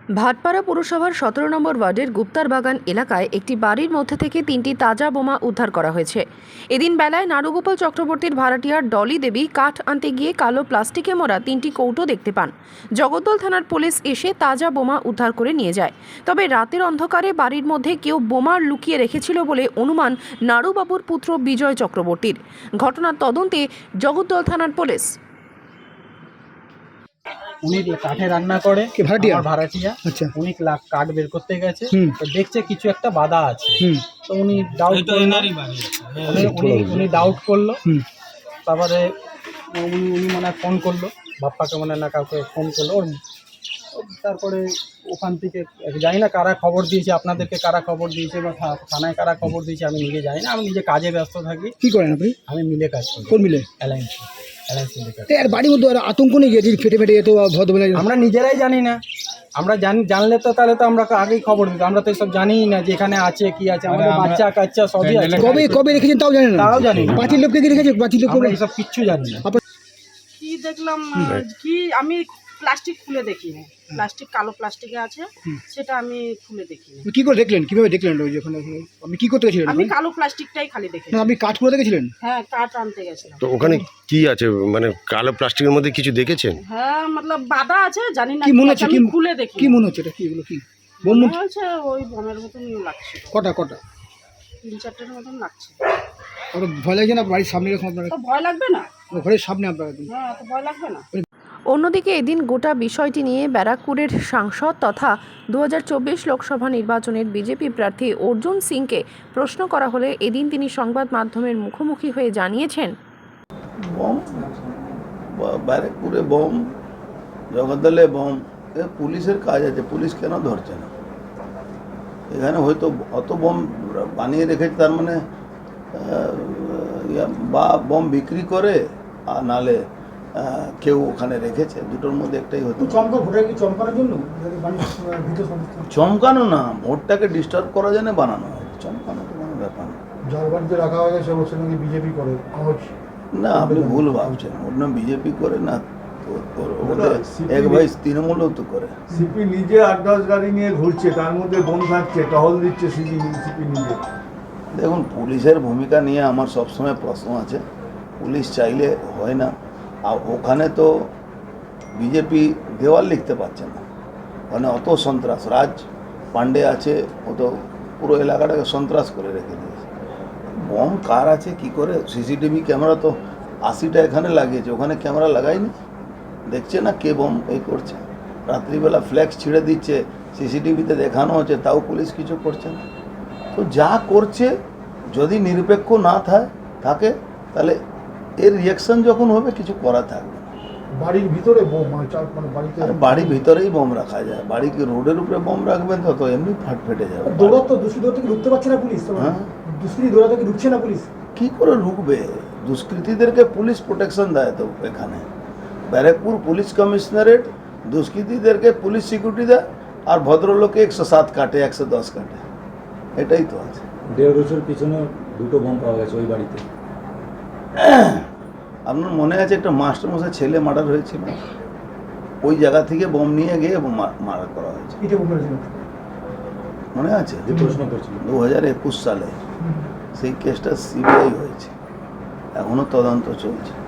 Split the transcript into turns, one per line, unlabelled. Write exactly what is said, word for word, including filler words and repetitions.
ভাটপাড়া পুরসভার সতেরো নম্বর ওয়ার্ডের গুপ্তার বাগান এলাকায় একটি বাড়ির মধ্যে থেকে তিনটি তাজা বোমা উদ্ধার করা হয়েছে। এদিন বেলায় নারুগোপাল চক্রবর্তীর ভাড়াটিয়ার ডলি দেবী কাঠ আনতে গিয়ে কালো প্লাস্টিকে মোড়া তিনটি কৌটো দেখতে পান। জগদ্দল থানার পুলিশ এসে তাজা বোমা উদ্ধার করে নিয়ে যায়। তবে রাতের অন্ধকারে বাড়ির মধ্যে কেউ বোমা লুকিয়ে রেখেছিল বলে অনুমান নারুবাবুর পুত্র বিজয় চক্রবর্তীর। ঘটনার তদন্তে জগদ্দল থানার পুলিশ।
উনি কাঠে রান্না করে,
ভাড়াটিয়া
ভাড়াটিয়া
আচ্ছা
উনি কাঠ বের করতে গেছে,
হুম।
তো দেখছে কিছু একটা বাধা আছে,
হুম।
তো উনি ডাউট করলো উনি উনি ডাউট করলো
হুম।
তারপরে উনি উনি মানে ফোন করলো বাপ্পাকে, মানে না কাউকে ফোন করলো ওর, তারপরে ওখান থেকে জানি না কারা খবর দিয়েছে, আপনাদেরকে কারা খবর দিয়েছে বা থানায় কারা খবর দিয়েছে আমি নিজে জানি না। আমি নিজে কাজে ব্যস্ত থাকি।
কি করেন আপনি?
আমি মিলে কাজ করি।
কোন মিলে?
অ্যালায়েন্স অ্যালায়েন্স মিলে কাজ।
আর বাড়ির মধ্যে আতঙ্ক নেই যে ফেটে ফেটে যেত ভদ্রবেলা?
আমরা নিজেরাই জানি না। আমরা জানি, জানলে তো তাহলে তো আমরা আগেই খবর দিতাম। আমরা তো এসব জানিই না যে এখানে আছে কি আছে। আমাদের বাচ্চা কাচ্চা সবই আছে।
কবে কবে রেখেছেন তাও জানেন না?
তাও জানি না।
পাঁচিল লোককে কি রেখেছে? পাঁচিল লোক
আমরা এসব কিচ্ছু জানি না।
কি দেখলাম কি আমি প্লাস্টিক খুলে দেখিনি, প্লাস্টিক কালো প্লাস্টিকে আছে সেটা আমি খুলে দেখিনি।
কি করে দেখলেন? কিভাবে দেখলেন? ওই যখন আপনি কি করতে গেছিলেন?
আমি কালো প্লাস্টিকটাই খালি দেখেছি।
না, আপনি কাঠ করে দেখেছিলেন?
হ্যাঁ, কাঠ আনতে গেছিলাম।
তো ওখানে কি আছে, মানে কালো প্লাস্টিকের মধ্যে কিছু দেখেছেন?
হ্যাঁ, মতলব বাধা আছে, জানি না
কি মনে
কি
হচ্ছে?
আছে,
কি
আমি খুলে দেখি।
কি মনে হচ্ছে? এটা কি, এগুলো কি বোম?
মনে হচ্ছে ওই বোমের মতন লাগছে।
কটা কটা?
তিন চারটের মতন লাগছে।
আর ভয় লাগছে না? বাড়ির সামনে এরকম আপনারা,
তো ভয় লাগবে না?
ঘরের সামনে আপনারা?
হ্যাঁ, তো ভয় লাগবে না?
অন্যদিকে এদিন গোটা বিষয়টি নিয়ে ব্যারাকপুরের সাংসদ তথা দু হাজার চব্বিশ লোকসভা নির্বাচনের বিজেপি প্রার্থী অর্জুন সিংকে প্রশ্ন করা হলে এদিন তিনি সংবাদ মাধ্যমের মুখোমুখি হয়ে জানিয়েছেন,
বম, ব্যারাকপুরে বম, জগদ্দলে বম, এ পুলিশের কাজ আছে, পুলিশ কেন ধরছে না? এখানে হয়তো অত বম বানিয়ে রেখেছে, তার মানে বা বম বিক্রি করে আর নালে কেউ ওখানে রেখেছে, দুটোর মধ্যে একটাই হতো। চমকানো না, ভোটটাকে ডিস্টার্ব করার জন্য বানানো হয়, চমকানো তো কোনো ব্যাপার না।
ঝাড়খণ্ডে রাখা হয়ে গেছে, বলছে নাকি বিজেপি করে।
না, আপনি ভুল ভাবছেন, ওর নাম বিজেপি করে না, এক ভাই তৃণমূলও তো করে।
সিপি নিজে আট দশ গাড়ি নিয়ে ঘুরছে, তার মধ্যে বোম থাকছে, টহল দিচ্ছে সিপি সিপি নিজে।
দেখুন, পুলিশের ভূমিকা নিয়ে আমার সবসময় প্রশ্ন আছে। পুলিশ চাইলে হয় না, আর ওখানে তো বিজেপি দেওয়াল লিখতে পারছে না, ওখানে অত সন্ত্রাস। রাজ পান্ডে আছে, ও তো পুরো এলাকাটাকে সন্ত্রাস করে রেখে দিয়েছে। বম কার আছে কি করে? সিসিটিভি ক্যামেরা তো আশিটা এখানে লাগিয়েছে, ওখানে ক্যামেরা লাগায়নি, দেখছে না কে বম এই করছে। রাত্রিবেলা ফ্ল্যাক্স ছিঁড়ে দিচ্ছে, সিসিটিভিতে দেখানো হচ্ছে, তাও পুলিশ কিছু করছে না। তো যা করছে যদি নিরপেক্ষ না থাকে তাহলে এর রিয়াকশন যখন হবে কিছু করা থাকবে না।
বাড়ির ভিতরে বোম, মানে বাড়িতে,
বাড়ির ভিতরেই বোম রাখা যায়, বাড়ি কি রোডের উপরে বোম রাখবেন তো তো এমনি ফাট ফেটে যাবে।
দৌড়াতো দুষ্কৃতি থেকে ঢুকতে পারছে না পুলিশ।
হ্যাঁ,
দুষ্কৃতি দৌড়া থেকে ঢুকছে না পুলিশ।
কি করে ঢুকবে? দুষ্কৃতীদেরকে পুলিশ প্রোটেকশন দেয় তো এখানে। ব্যারাকপুর পুলিশ কমিশনারেট দুষ্কৃতীদেরকে পুলিশ সিকিউরিটি দেয়, আর ভদ্রলোকে একশো সাত কাটে, একশো দশ কাটে, এটাই তো আছে।
দেড় বছর পিছনে দুটো বোম পাওয়া গেছে ওই বাড়িতে।
আপনার মনে আছে একটা মাস্টারমশাই ছেলে মার্ডার হয়েছিল, ওই জায়গা থেকে বোম নিয়ে গিয়ে মার্ডার করা হয়েছে, মনে আছে?
যে প্রশ্ন করছিল
দু হাজার একুশ সালে সেই কেসটা সিবিআই হয়েছে, এখনো তদন্ত চলছে।